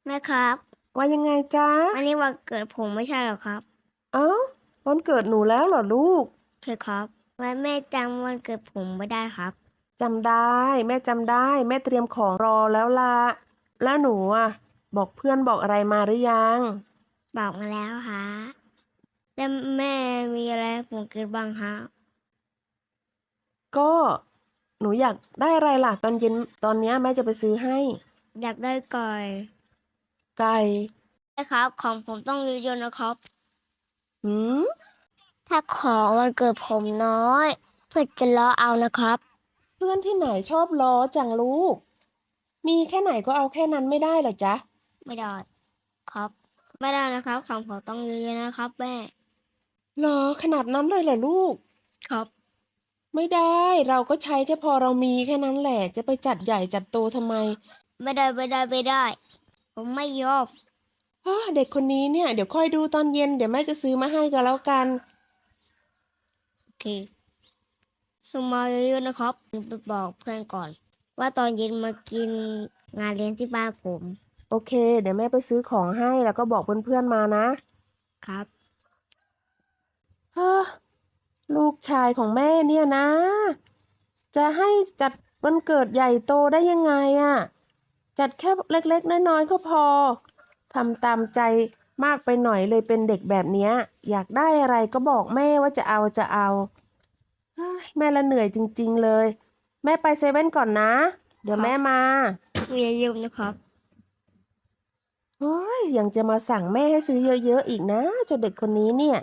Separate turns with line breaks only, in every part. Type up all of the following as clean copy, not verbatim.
แม่ครับ
ว่ายังไงจ๊ะ
วันนี้วันเกิดผมไม่ใช่หรอครับ
เอ้าวันเกิดหนูแล้วเหรอลูก
ใช่ครับวันแม่จำวันเกิดผมไม่ได้ครับ
จำได้แม่จำได้แม่เตรียมของรอแล้วล่ะแล้วหนูบอกเพื่อนบอกอะไรมาหรือยัง
บอกมาแล้วฮะแล้วแม่มีอะไรให้ผมกินบ้างฮะ
ก็หนูอยากได้อะไรล่ะตอนเย็นตอนเนี้ยแม่จะไปซื้อให้
อยากได้ก่อย
ไก่
ใช่ครับของผมต้องเยอะๆนะครับ
หืม
ถ้าของวันเกิดผมน้อยเพื่อจะล้อเอานะครับ
เพื่อนที่ไหนชอบล้อจังลูกมีแค่ไหนก็เอาแค่นั้นไม่ได้เหรอจ๊ะ
ไม่ได้ครับไม่ได้นะครับของผมต้องเยอะๆนะครับแม่
เหรอขนาดนั้นเลยเหรอลูก
ครับ
ไม่ได้เราก็ใช้แค่พอเรามีแค่นั้นแหละจะไปจัดใหญ่จัดโตทำไม
ไม่ได้ผมไม่ยอม
เด็กคนนี้เนี่ยเดี๋ยวค่อยดูตอนเย็นเดี๋ยวแม่จะซื้อมาให้ก็แล้วกัน
โอเคส่งมาเยอะๆนะครับไปบอกเพื่อนก่อนว่าตอนเย็นมากินงานเลี้ยงที่บ้านผม
โอเคเดี๋ยวแม่ไปซื้อของให้แล้วก็บอกเพื่อนๆมานะครับเฮ้อลูกชายของแม่เนี่ยนะจะให้จัดวันเกิดใหญ่โตได้ยังไงจัดแค่เล็กๆน้อยๆก็พอทำตามใจมากไปหน่อยเลยเป็นเด็กแบบเนี้ยอยากได้อะไรก็บอกแม่ว่าจะเอาเฮ้ยแม่ละเหนื่อยจริงๆเลยแม่ไปเซเว่นก่อนนะเดี๋ยวแม่มา
มีอย่าลืมนะครับ
โอ้ยยังจะมาสั่งแม่ให้ซื้อเยอะๆอีกนะเจ้าเด็กคนนี้เนี่ย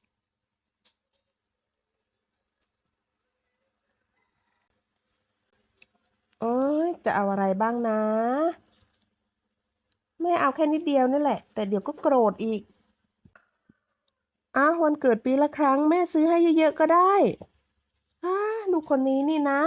โอ้ยจะเอาอะไรบ้างนะแม่เอาแค่นิดเดียวนี่แหละแต่เดี๋ยวก็โกรธอีกวันเกิดปีละครั้งแม่ซื้อให้เยอะๆก็ได้ลูกคนนี้นี่นะ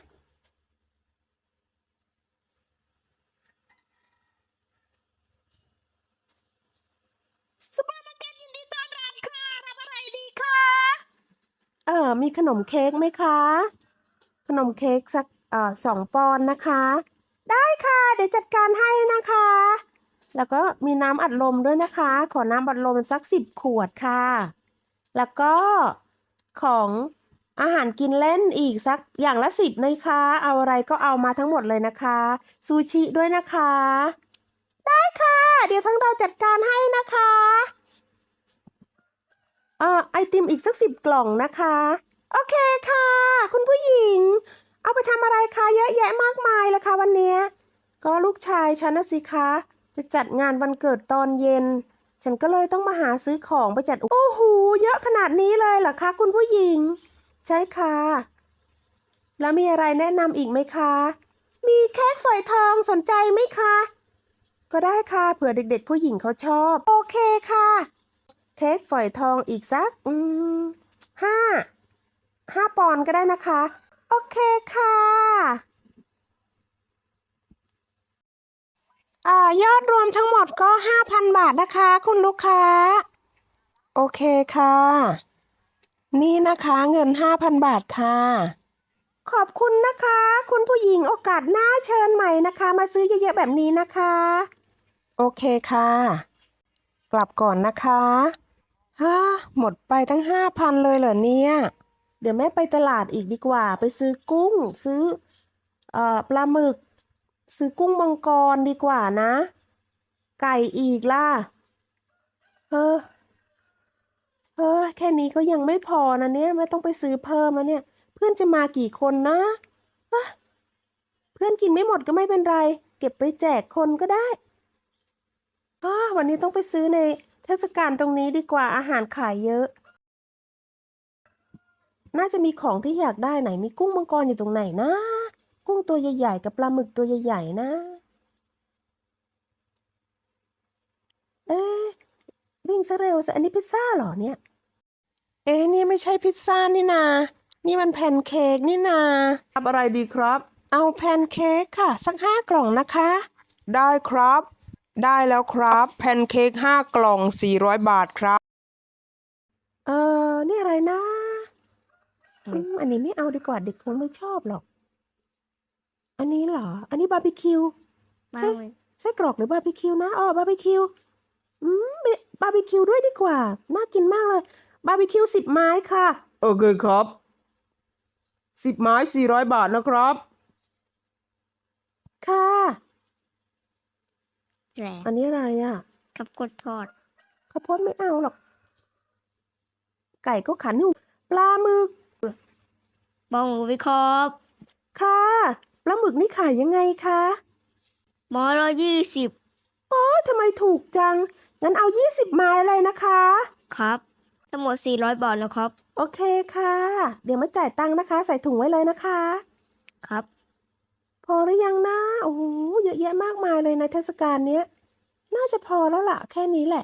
ซุปเปอร์มาร์เก็ตยินดีต้อนรับค่ะรับอะไรดีคะมีขนมเค้กไหมคะขนมเค้กสัก2 ปอนด์นะคะได้ค่ะเดี๋ยวจัดการให้นะคะ แล้วก็มีน้ำอัดลมด้วยนะคะ ขอน้ำอัดลมสัก10 ขวดค่ะ แล้วก็ของอาหารกินเล่นอีกสักอย่างละ10นะคะ เอาอะไรก็เอามาทั้งหมดเลยนะคะ ซูชิด้วยนะคะ ได้ค่ะ เดี๋ยวทั้งเราจัดการให้นะคะไอติมอีกสัก10 กล่องนะคะ โอเคค่ะ คุณผู้หญิง เอาไปทำอะไรคะเยอะแยะมากมายเลยค่ะวันเนี้ยก็ลูกชายฉันนะสิคะจะจัดงานวันเกิดตอนเย็น ฉันก็เลยต้องมาหาซื้อของไปจัดโอ้โหเยอะขนาดนี้เลยเหรอคะคุณผู้หญิง ใช่ค่ะแล้วมีอะไรแนะนำอีกไหมคะมีเค้กฝอยทองสนใจไหมคะก็ได้ค่ะเผื่อเด็กๆผู้หญิงเขาชอบโอเคค่ะเค้กฝอยทองอีกสักห้า5 ปอนด์ก็ได้นะคะโอเคค่ะยอดรวมทั้งหมดก็5,000 บาทนะคะคุณลูกค้าโอเคค่ะนี่นะคะเงิน5,000 บาทค่ะขอบคุณนะคะคุณผู้หญิงโอกาสหน้าเชิญใหม่นะคะมาซื้อเยอะๆแบบนี้นะคะโอเคค่ะกลับก่อนนะคะหมดไปตั้ง5,000เลยเหรอเนี่ยเดี๋ยวแม่ไปตลาดอีกดีกว่าไปซื้อกุ้งซื้อปลาหมึกซื้อกุ้งมังกรดีกว่านะไก่อีกล่ะเออแค่นี้ก็ยังไม่พอนะเนี่ยไม่ต้องไปซื้อเพิ่มแล้วเนี่ยเพื่อนจะมากี่คนนะเอ้อเพื่อนกินไม่หมดก็ไม่เป็นไรเก็บไปแจกคนก็ได้วันนี้ต้องไปซื้อในเทศกาลตรงนี้ดีกว่าอาหารขายเยอะน่าจะมีของที่อยากได้ไหนมีกุ้งมังกรอยู่ตรงไหนนะกุ้งตัวใหญ่ๆกับปลาหมึกตัวใหญ่ๆนะเอ๊ะวิ่งซะเร็วซะอันนี้พิซซ่าเหรอเนี่ยนี่ไม่ใช่พิซซ่านี่นานี่มันแพนเค้กนี่นารับอะไรดีครับเอาแพนเค้กค่ะสัก5 กล่องนะคะได้ครับได้แล้วครับแพนเค้ก5 กล่อง400 บาทครับนี่อะไรนะอันนี้ไม่เอาดีกว่าเด็กคงไม่ชอบหรอกอันนี้เหรออันนี้บาร์บีคิวใช่
บ้างไหม
ไส้กรอกหรือบาร์บีคิวนะอ๋อบาร์บีคิวบาร์บีคิวด้วยดีกว่าน่ากินมากเลยบาร์บีคิว10 ไม้ค่ะโอเคครับ10 ไม้400 บาทนะครับค่ะ
แกร
อันนี้อะไรอ่ะ
กับกดทอด
ข้าวโพดไม่เอาหรอก ไก่ก็ขันอยู่ปลาหมึก
บองหมูวิเคราะห์
ค่ะปลาหมึกนี่ขายยังไงคะ
หมอ120
โอ้ยทำไมถูกจัง งั้นเอา20 ไม้เลยนะคะ
ครับ ทั้งหมด400 บาทนะครับ
โอเคค่ะ เดี๋ยวมาจ่ายตังค์นะคะ ใส่ถุงไว้เลยนะคะ
ครับ
พอหรือยังนะโอ้โหเยอะแยะมากมายเลยในเทศกาลเนี้ย น่าจะพอแล้วล่ะ แค่นี้แหละ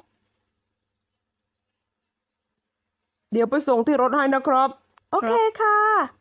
เดี๋ยวไปส่งที่รถให้นะครับ โอเคค่ะ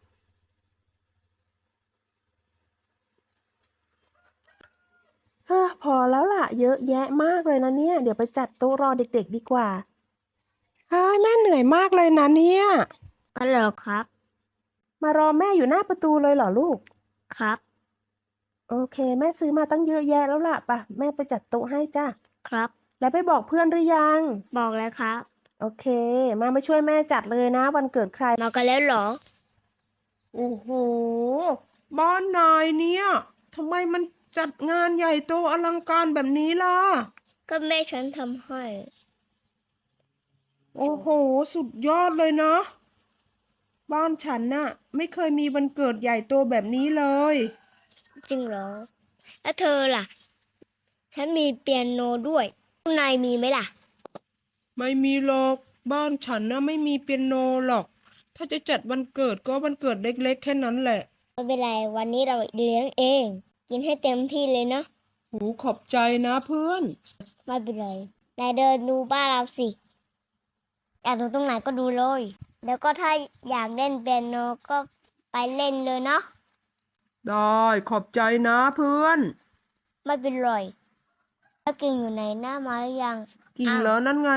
พอแล้วล่ะ เยอะแยะมากเลยนะเนี่ย เดี๋ยวไปจัดโต๊ะรอเด็กๆดีกว่าแม่เหนื่อยมากเลยนะเนี่ย
ก็เหรอครับ
มารอแม่อยู่หน้าประตูเลยเหรอลูก
ครับ
โอเค แม่ซื้อมาตั้งเยอะแยะแล้วล่ะป่ะแม่ไปจัดโต๊ะให้จ้ะ
ครับ
แล้วไปบอกเพื่อนหรือยัง
บอกแล้วครับ
โอเค มาช่วยแม่จัดเลยนะ วันเกิดใคร
มากันแล้วเหรอ
โอ้โห บ้านนายเนี่ยทำไมมันจัดงานใหญ่โตอลังการแบบนี้ล่ะ
ก็แม่ฉันทำให้
โอ้โห สุดยอดเลยนะ บ้านฉันน่ะ ไม่เคยมีวันเกิดใหญ่โตแบบนี้เลย
จริงเหรอ แล้วเธอล่ะ ฉันมีเปียโนด้วยข้างในมีไหมล่ะ
ไม่มีหรอก บ้านฉันน่ะไม่มีเปียโนหรอก ถ้าจะจัดวันเกิดก็วันเกิดเล็กๆแค่นั้นแหละ
ไม่เป็นไร วันนี้เราเลี้ยงเอง กินให้เต็มที่เลยเนาะ
หูขอบใจนะเพื่อน
ไม่เป็นไรนายเดินดูบ้านเราสิ อยากดูตรงไหนก็ดูเลย แล้วก็ถ้าอยากเล่นเปียโนก็ไปเล่นเลยเนาะ
ได้ขอบใจนะเพื่อน
ไม่เป็นไรแล้วกิ่งอยู่ไหนหน้ามาหรือยัง
กิ่งเหรอนั่นไง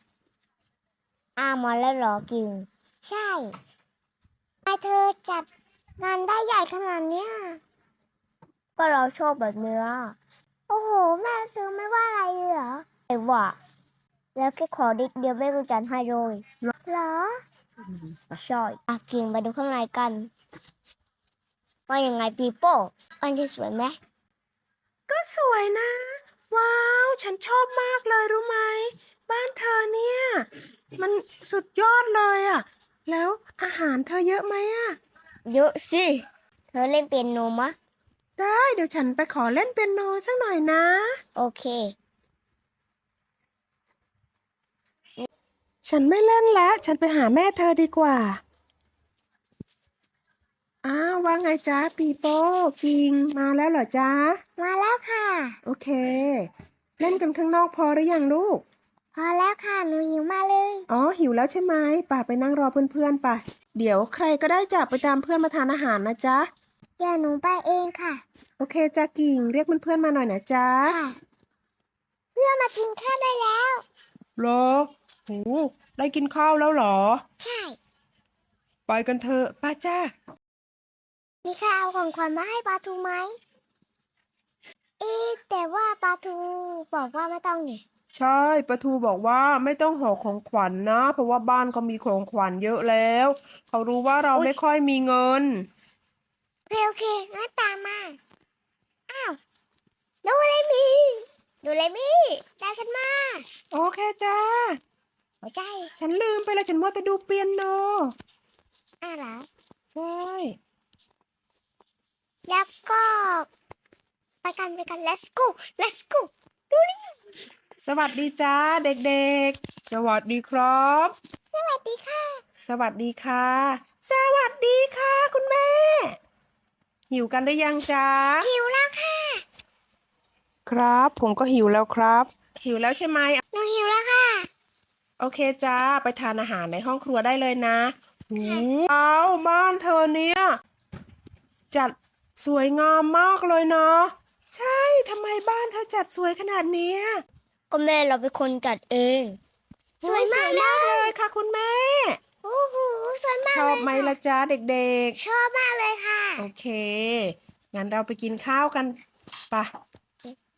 มาแล้วเหรอกิ่ง ใช่ทำไมเธอจัดงานได้ใหญ่ขนาดเนี้ย ก็เราชอบแบบเนื้อ โอ้โห แม่ซื้อไม่ว่าอะไรเลยเหรอไอ้ว่า แล้วแค่ขอนิดเดียวแม่ก็จัดให้เลยเหรอใช่กิ่งไปดูข้างในกัน ว่ายังไงปีโป้อันที่สวยไหม
ก็สวยนะ ว้าว ฉันชอบมากเลยรู้ไหม บ้านเธอเนี่ย มันสุดยอดเลยอะแล้วอาหารเธอเยอะไหมอะ
เยอะสิ เธอเล่นเปียโนมะ
ได้เดี๋ยวฉันไปขอเล่นเปียโนสักหน่อยนะ
โอเค
ฉันไม่เล่นแล้ว ฉันไปหาแม่เธอดีกว่า ว่าไงจ๊ะปีโป้กิงมาแล้วเหรอจ๊ะ
มาแล้วค่ะ
โอเค เล่นกันข้างนอกพอหรือยังลูก
พอแล้วค่ะ หนูหิวมากเลย
อ๋อหิวแล้วใช่ไหมป่าไปนั่งรอเพื่อนๆป่ะ เดี๋ยวใครก็ได้จับไปตามเพื่อนมาทานอาหารนะจ๊ะ
อย่าหนูไปเองค่ะ
โอเคจ้ากิ่งเรียกเพื่อนๆมาหน่อยนะจ๊ะ
ค่ะ เพื่อนมากินข้าวได้แล้ว
เหรอโหได้กินข้าวแล้วเหรอ
ใช่
ไปกันเถอะป้าจ้า
มีใครเอาของขวัญมาให้ปลาทูไหม แต่ว่าปลาทูบอกว่าไม่ต้องนี่
ใช่ปะทูบอกว่าไม่ต้องห่อของขวัญนะ เพราะว่าบ้านเขามีของขวัญเยอะแล้ว เขารู้ว่าเราไม่ค่อยมีเงิน
โอเคงั้นตามมา อ้าวดูเลยมี่ตามฉันมา
โอเคจ้า
หัวใจ
ฉันลืมไปแล้วฉันมัวแต่ดูเปียโน
เหรอ
ใช่
แล้วก็ไปกัน let's go ดูนี่
สวัสดีจ้าเด็กๆ สวัสดีครับ
สวัสดีค่ะ
สวัสดีค่ะ สวัสดีค่ะ คุณแม่ หิวกันหรือยังจ๊ะ
หิวแล้วค่ะ
ครับ ผมก็หิวแล้วครับ หิวแล้วใช่ไหม
หนูหิวแล้วค่ะ
โอเคจ้า ไปทานอาหารในห้องครัวได้เลยนะว้าวบ้านเธอเนี่ย จัดสวยงามมากเลยเนาะใช่ทำไมบ้านเธอจัดสวยขนาดเนี้ย
ก็แม่เราเป็นคนจัดเอง สวยมากเล
เลยค่ะคุณแม่
โอ้โหสวยมาก
ชอบไหมล่ะจ๊ะเด็ก
ชอบมากเลยค่ะ
ๆ โอเค งั้นเราไปกินข้าวกันปะ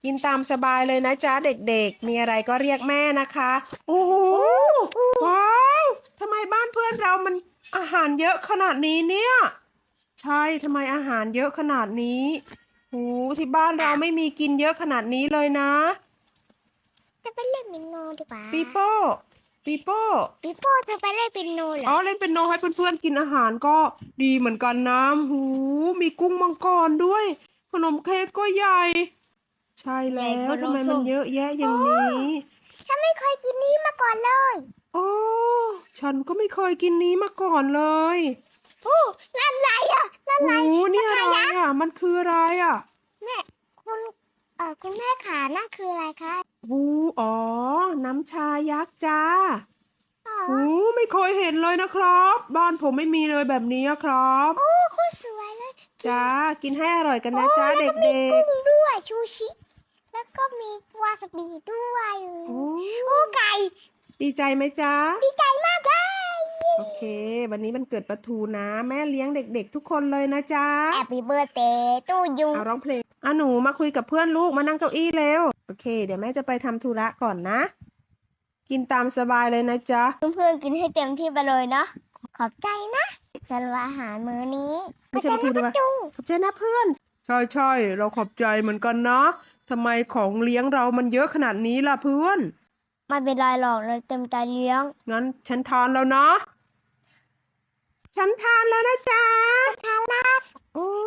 กินตามสบายเลยนะจ๊ะเด็กๆ มีอะไรก็เรียกแม่นะคะ โอ้โห ว้าวทำไมบ้านเพื่อนเรามันอาหารเยอะขนาดนี้เนี่ย ใช่ทำไมอาหารเยอะขนาดนี้โอ้ที่บ้านเราไม่มีกินเยอะขนาดนี้เลยนะ
จะไปเล่นเปียโนดีกว่า
ปีโป้ปีโป้
ปีโป้เธอไปเล่นเปียโนเหร
อ๋
อ
อเล่นเป็นโนให้เพื่อนๆกินอาหารก็ดีเหมือนกันนะหูมีกุ้งมังกรด้วย ขนมเค้กก็ใหญ่ ใช่แล้วทำไมมันเยอะแยะอย่างนี้
ฉันไม่เคยกินนี้มาก่อนเลย
โอ้ฉันก็ไม่เคยกินนี้มาก่อนเลย
โอ้นั่นอะไรอ่ะนั่นอะไร
โอ้นี่อะไร
ชายักษ์
อ่ะ มันคืออะไรอ่ะ
แม่คุณแม่ขานั่นคืออะไรคะ
หูอ๋อ น้ำชายักษ์จ้า
อ๋อ
หูไม่เคยเห็นเลยนะครับ บ้านผมไม่มีเลยแบบนี้อะครับ
โอ้โคตรสวยเลย
จ้า กินให้อร่อยกันนะจ้า
แล้ว
เด็
ก็มี
ก
กุ้งด้วยชูชิ แล้วก็มีวาซาบิด้วย
ๆโอ้
โอ้ไก่
ดีใจไหมจ้า
ดีใจมากเลย
โอเค วันนี้มันเกิดปลาทูนะ แม่เลี้ยงเด็กๆทุกคนเลยนะจ๊ะ
แฮปปี้เบิร์ดเดย์ตู้ยู
เอาร้องเพลงหนูมาคุยกับเพื่อนลูกมานั่งเก้าอี้เร็ว โอเค เดี๋ยวแม่จะไปทำธุระก่อนนะ กินตามสบายเลยนะจ๊ะ
เพื่อนๆกินให้เต็มที่ไปเลยเนาะขอบใจนะสำหรับอาหารมื้อนี้
ไม่ใช่ปลาทูด้วย
จู
ขอบใจนะเพื่อน ใช่เราขอบใจเหมือนกันนะทำไมของเลี้ยงเรามันเยอะขนาดนี้ล่ะเพื่อน
ไม่เป็นไรหรอกเราเต็มใจเลี้ยง
งั้นฉันทานแล้วนะ ฉันทานแล้วนะจ๊ะ
ทานลัส
โอ้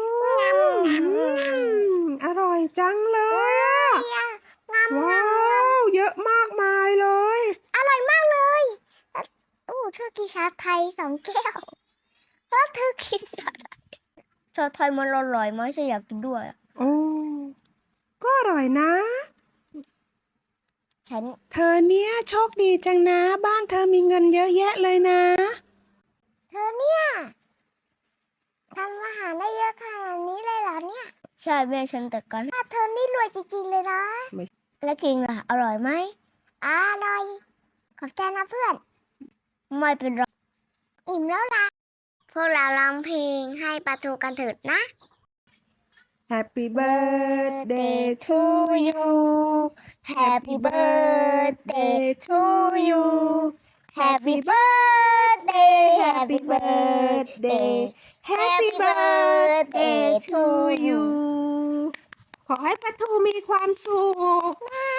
อร่อยจังเลยอะ
งาม
ว้าว เยอะมากมายเลย
อร่อยมากเลยโอ้เธอกินชาไทย2 แก้วแล้วเธอกินชาไทยชาไทยมันอร่อยไหมฉันอยากกินด้วยอะ
โอ้ก็อร่อยนะ
ฉัน
เธอเนี่ยโชคดีจังนะ บ้านเธอมีเงินเยอะแยะเลยนะ
เธอเนี่ยทำอาหารได้เยอะขนาดนี้เลยเหรอเนี่ยใช่แม่ฉันแต่กันเธอนี่รวยจริงๆเลยนะ
ไม่
แล้วกินล่ะอร่อยไหมอร่อยขอบใจนะเพื่อนไม่เป็นไรอิ่มแล้วล่ะพวกเราร้องเพลงให้ปลาทูกันเถิดนะ
Happy birthday to you
Happy birthday to you Happy birthday Happy birthday
Happy birthday to you ขอให้ปลาทูมีความสุข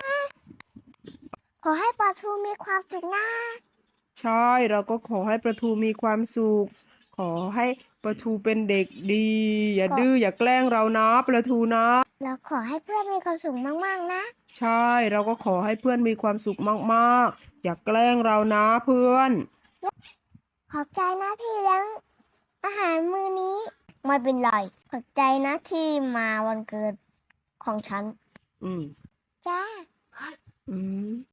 ขอให้ปลาทูมีความสุขนะ
ใช่เราก็ขอให้ปลาทูมีความสุข ขอให้ปลาทูเป็นเด็กดี อย่าดื้ออย่าแกล้งเรานะปลาทูนะ
เราขอให้เพื่อนมีความสุขมากๆนะ
ใช่เราก็ขอให้เพื่อนมีความสุขมากๆ อย่าแกล้งเรานะเพื่อน
ขอบใจนะที่เลี้ยงอาหารมื้อนี้ไม่เป็นไรขอบใจนะที่มาวันเกิดของฉัน
อืม
จ้า
อืม